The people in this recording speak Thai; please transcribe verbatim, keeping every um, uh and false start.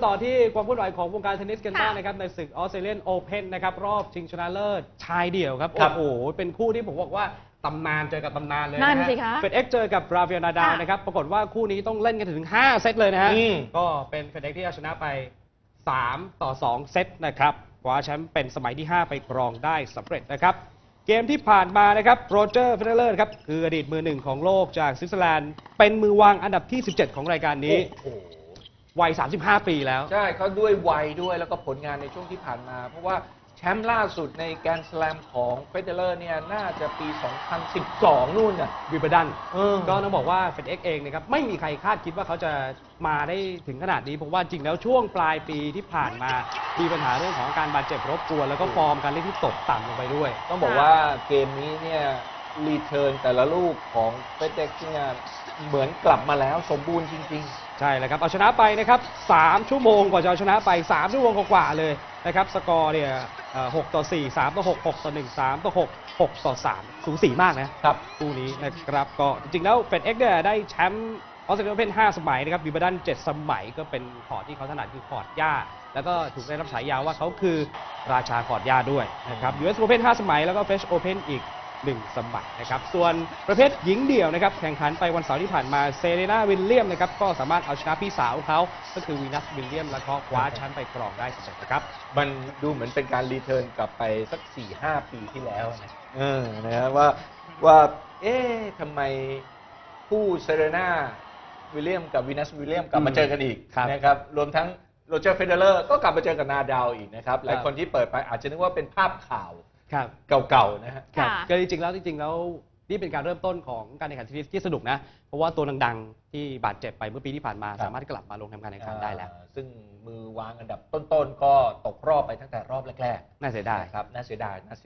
ต่อที่ความเคลื่อนไหวของวงการเทนนิสกันบ้างนะครับในศึกออสเตรเลียนโอเพ่นนะครับรอบชิงชนะเลิศชายเดี่ยวครับโอ้โหเป็นคู่ที่ผมบอกว่าตำนานเจอกับตำนานเลยนะฮะเฟดเอ็กเจอกับราฟาเอลนาดาลนะครับปรากฏว่าคู่นี้ต้องเล่นกันถึงห้าเซตเลยนะฮะก็เป็นเฟดเอ็กที่เอาชนะไปสามต่อสองเซตนะครับคว้าแชมป์เป็นสมัยที่ห้าไปครองได้สำเร็จนะครับเกมที่ผ่านมานะครับโรเจอร์เฟเดเลอร์ครับคืออดีตมือหนึ่งของโลกจากสวิตเซอร์แลนด์เป็นมือวางอันดับที่สิบเจ็ดของรายการนี้วัยสามสิบห้าปีแล้วใช่เขาด้วยวัยด้วยแล้วก็ผลงานในช่วงที่ผ่านมาเพราะว่าแชมป์ล่าสุดในแกรนด์สแลมของเฟเดเลอร์เนี่ยน่าจะปี สองพันสิบสอง นู่นน่ะวิมเบิลดันก็ต้องบอกว่าเฟดเอ็กเองนะครับไม่มีใครคาดคิดว่าเขาจะมาได้ถึงขนาดนี้เพราะว่าจริงแล้วช่วงปลายปีที่ผ่านมามีปัญหาเรื่องของการบาดเจ็บรบกวนแล้วก็ฟอร์มการเล่นที่ตกต่ำลงไปด้วยต้องบอกว่าเกมนี้เนี่ยรีเทิร์นแต่ละลูกของเฟเดเอ็กเนี่ยเหมือนกลับมาแล้วสมบูรณ์จริงๆใช่แล้วครับเอาชนะไปนะครับสามชั่วโมงกว่าจะเอาชนะไปสามชั่วโมงกว่าเลยนะครับสกอร์เนี่ยหกต่อสี่ สามต่อหก หกต่อหนึ่ง สามต่อหก หกต่อสามสูสีมากนะครับคู่นี้นะครับก็จริงๆแล้วเฟดเอ็กเนี่ยได้แชมป์ออสเตรเลียโอเพ่นห้าสมัยนะครับวิมเบิลดันเจ็ดสมัยก็เป็นคอร์ตที่เขาถนัดคือคอร์ตหญ้าแล้วก็ถูกได้รับฉายาว่าเขาคือราชาคอร์ตหญ้าด้วยนะครับ ยู เอส Open ห้าสมัยแล้วก็ French Open อีกหนึ่งสมัยนะครับส่วนประเภทหญิงเดี่ยวนะครับแข่งขันไปวันเสาร์ที่ผ่านมาเซเรนาวิลเลียมนะครับก็สามารถเอาชนะพี่สาวเขาก็คือวีนัสวิลเลียมแล้วก็คว้าแชมป์ไปครองได้สำเร็จนะครับมันดูเหมือนเป็นการรีเทิร์นกลับไปสัก สี่ห้า ปีที่แล้วนะเออนะครับว่าว่าเอ๊ะทำไมคู่เซเรนาวิลเลียมกับวีนัสวิลเลียมกลับมาเจอกันอีกนะครับรวมทั้งโรเจอร์เฟเดเลอร์ก็กลับมาเจอกับนาดาลอีกนะครับหลายคนที่เปิดไปอาจจะนึกว่าเป็นภาพข่าวเก่าๆนะฮะก็จริงๆแล้วจริงๆแล้วนี่เป็นการเริ่มต้นของการแข่งขันเทนนิสที่สนุกนะเพราะว่าตัวดังๆที่บาดเจ็บไปเมื่อปีที่ผ่านมาสามารถกลับมาลงทำการแข่งขันได้แล้วซึ่งมือวางอันดับต้นๆก็ตกรอบไปตั้งแต่รอบแรกๆน่าเสียดายครับน่าเสียดายน่าเสีย